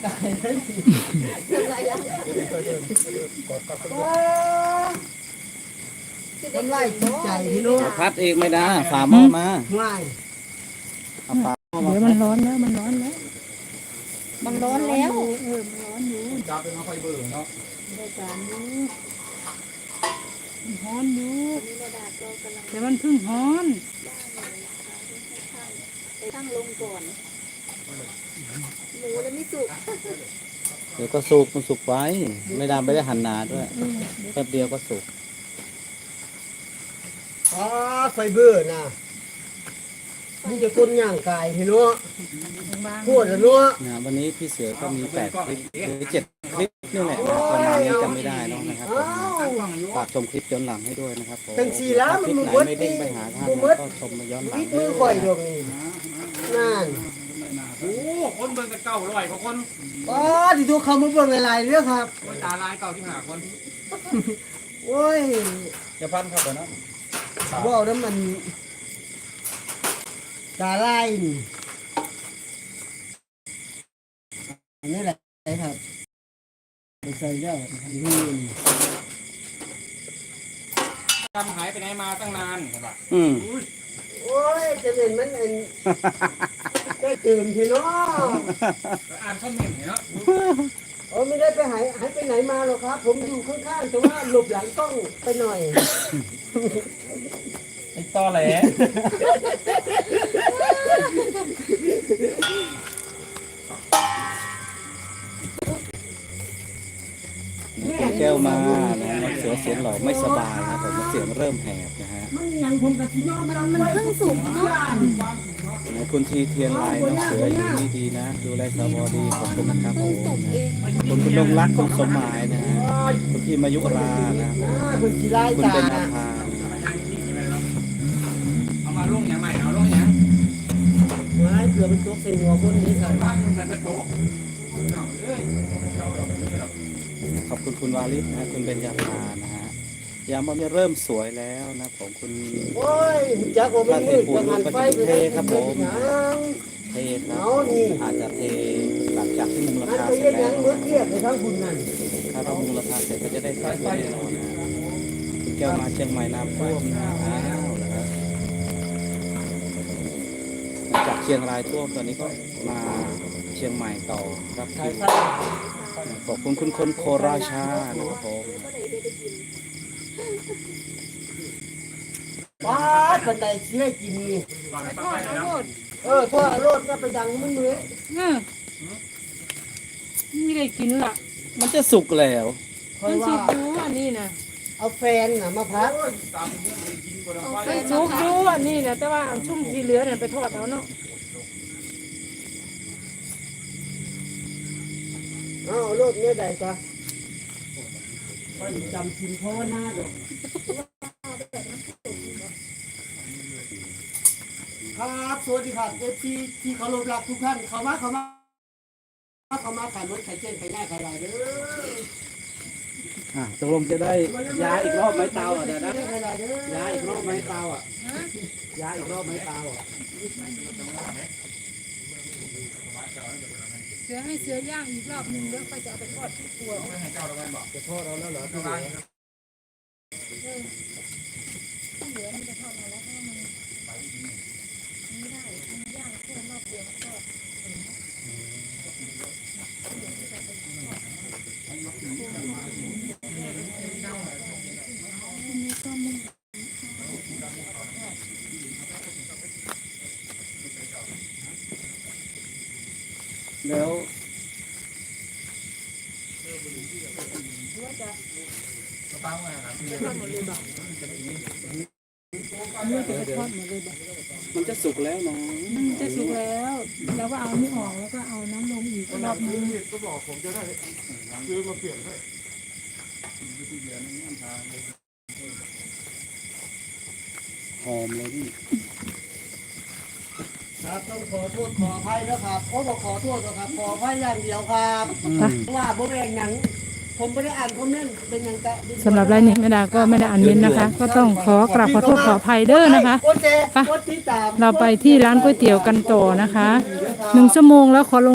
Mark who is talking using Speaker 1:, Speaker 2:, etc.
Speaker 1: กายเลยทำไรจิตใจพี่น้อง
Speaker 2: พัดเองไม่ได้ฝาหม้อมา
Speaker 1: ง่าย
Speaker 2: เอาฝาหม้อมา
Speaker 3: เดี๋ยวมันร้อนแล้วมันร้อนแล้ว
Speaker 4: มันร้อนแล้ว
Speaker 3: มันร้อนอยู่
Speaker 2: จับเป็นไฟเบอร์เนาะ
Speaker 3: ได้การอยู่มันร้อนอยู่แต่มันเพิ่งร้อน
Speaker 4: ตั้งลงก่อนหมูแล้วไม่สุก
Speaker 2: เดี๋ยวก็สุกมันสุกไว้ไม่ได้หั่นหนาด้วยแป๊บเดียวก็สุก
Speaker 1: อ๋อไฟเบอร์นะนี่จะคนย่างกายพี่น้อง
Speaker 3: บาง
Speaker 1: ปวดแล้วเนาะ
Speaker 2: นะวันนี้พี่เสือก็มี8 คลิปหรือ7 คลิปนี่แหละประมาณนี้จำไม่ได้เนาะนะครับผม
Speaker 1: อ้าว
Speaker 2: ฝากชมคลิปย้อนหลังให้ด้วยนะครับผม
Speaker 1: ตั้งสี่ล้าน
Speaker 2: คลิป
Speaker 1: มัน
Speaker 2: ไหน
Speaker 1: เบิด
Speaker 2: ไม่เด้งไปหาท่าน
Speaker 1: มันเบิด
Speaker 2: ก็ชมมาย้อนหลัง
Speaker 1: วิดมือข่อยดอกนี่นั่น
Speaker 5: โอ้คนเบิ่งกัน900กว่าคน
Speaker 1: อ๋อที่ตัวเขามาเบิ่งอะไรเรื่องครับ
Speaker 5: โอ้ยตาลาย95คน
Speaker 1: โอ้ย
Speaker 2: จะพันเข้าไปนะ
Speaker 1: ว่าวน้ำมันตาลายนี่อันนี้แหละครับไปใส่ได้นี่
Speaker 5: จำหายไปไหนมาตั้งนานใช่ปะ
Speaker 1: โอ้ยจะเห็นมันเอ็นได้ตื่นพี่น้อง
Speaker 5: อ่านคอมเมนต์เนาะ
Speaker 1: โอ้ไม่ได้ไปหายไปไหนมาหรอกครับ ผมอยู่ข้างๆแต่ว่าหลบหลังกล้องไปหน่อย
Speaker 5: ไอ้ตอแหล
Speaker 2: แก้วมานะน้องเสือเสียงหล่อไม่สบายนะผมเสียงเริ่มแหบนะฮะ
Speaker 1: มันยังผมกับพี่น้องมัน
Speaker 4: เพิ่งสุกเนาะ
Speaker 2: คุณทีเทียนลายน้องเสืออยู่นี่ดีนะ ดูแลสวดีขอบคุณนะครับผม
Speaker 4: สุกเอง
Speaker 2: คุณดงรักคุณสมหมายนะฮะคุณพี่มายุรานะ
Speaker 1: คุณกีฬา
Speaker 2: คุณ
Speaker 1: ตา
Speaker 2: เป็นอาภา
Speaker 5: เอามาลงอย่างใหม่เอาลงอย่าง
Speaker 1: ไม้เกือบเป็นตัวเป็นหัวคนนี้ครับ
Speaker 5: บ้านมันจะโต
Speaker 2: ขอบคุณคุณวาลิศนะฮะคุณเบญญาภานะฮะยามว่าเริ่มสวยแล้วนะผมคุณ
Speaker 1: โอ้ยจักว่ามันมืดจะหันไฟไปได้ยัง
Speaker 2: เทครับอาจจะเทหลังจากที่มุงรา
Speaker 1: หัน
Speaker 2: คา
Speaker 1: ไป
Speaker 2: เสร็
Speaker 1: เย็
Speaker 2: จ
Speaker 1: น
Speaker 2: แล้ว
Speaker 1: ยังมืดเทียบไปทั้งคุณนั่น
Speaker 2: ถ้าเรามุงราคาเสร็จก็จะได้ใส่ไฟแน่นอนนะคุณแก้วมาเชียงใหม่น้ำท่วมนะอ้าวนะครับจากเชียงรายท่วมตอนนี้ก็มาเชียงใหม่ต่อรับคิวขอบคุณคุณคนโคราชานะครับผม
Speaker 1: ป้าบันไดเชี่ยกินนี่
Speaker 3: ทอดเอาโลด
Speaker 1: ทั่วรถก็ไปดังมันมือ
Speaker 3: ไม่ได้กินละ
Speaker 2: มันจะสุกแล้ว
Speaker 1: คอ
Speaker 3: มั
Speaker 1: ย
Speaker 3: นสุ
Speaker 1: ว่าก
Speaker 3: อยู่อันนี้นะ
Speaker 1: เอาแฟนน่ะมาพัก
Speaker 3: มันสุกอยู่อันนี้นะแต่ว่าอันชุ่มที่เหลือเนี่ยไปทอดเอาเนาะ
Speaker 1: เอารถเนี่ยได้จ้ะไปจำชินพ่อหน้าดอกครับสวัสดีครับเอฟซีที่เคารพรักทุกท่านเข้ามาขายรถขายเจนขายง่ายขายอะไรเด้อ
Speaker 2: ตกลงจะได้ย้ายอีกรอบไหมเตาอ่ะเดี๋ยวนะ
Speaker 1: ขายอะไรเด้อ
Speaker 2: ย้ายอีกรอบไหมเตาอ่ะย้ายอีกรอบไหมเตาอ่ะ
Speaker 3: เสือให้เสือย่างอีกรอบหนึ่งแล้วค่อยจะเอาไปทอดที่ครัว
Speaker 1: จะโทษเราแล้วเหรอพี่เหลือ
Speaker 2: แล้ว มันจะสุกแล้วเนาะ
Speaker 3: มันจะสุกแล้ว แล้วก็เอานี่ออกแล้วก็เอาน้ำลงอีกรอบนึง
Speaker 2: หอมเลยพี่
Speaker 1: ครับต้องขอโทษขออภัยนะครับโอ้บอกขอโทษนะครับขออภัยอย่างเดียวครับว่าบ่แบ่งหนังผมไม่ได้อ่านคอมเมนต์เป็นหยังกะ
Speaker 3: สำหรับรายนี้แม่ดาก็ไม่ได้อ่านเม้นต์นะคะ ก็ต้องขอกราบขอโทษขออภัยเด้อนะคะ
Speaker 1: กดแชร์กดติดตาม
Speaker 3: เราไปที่ร้านก๋วยเตี๋ยวกันต่อนะคะ1 ชั่วโมงแล้วขอลง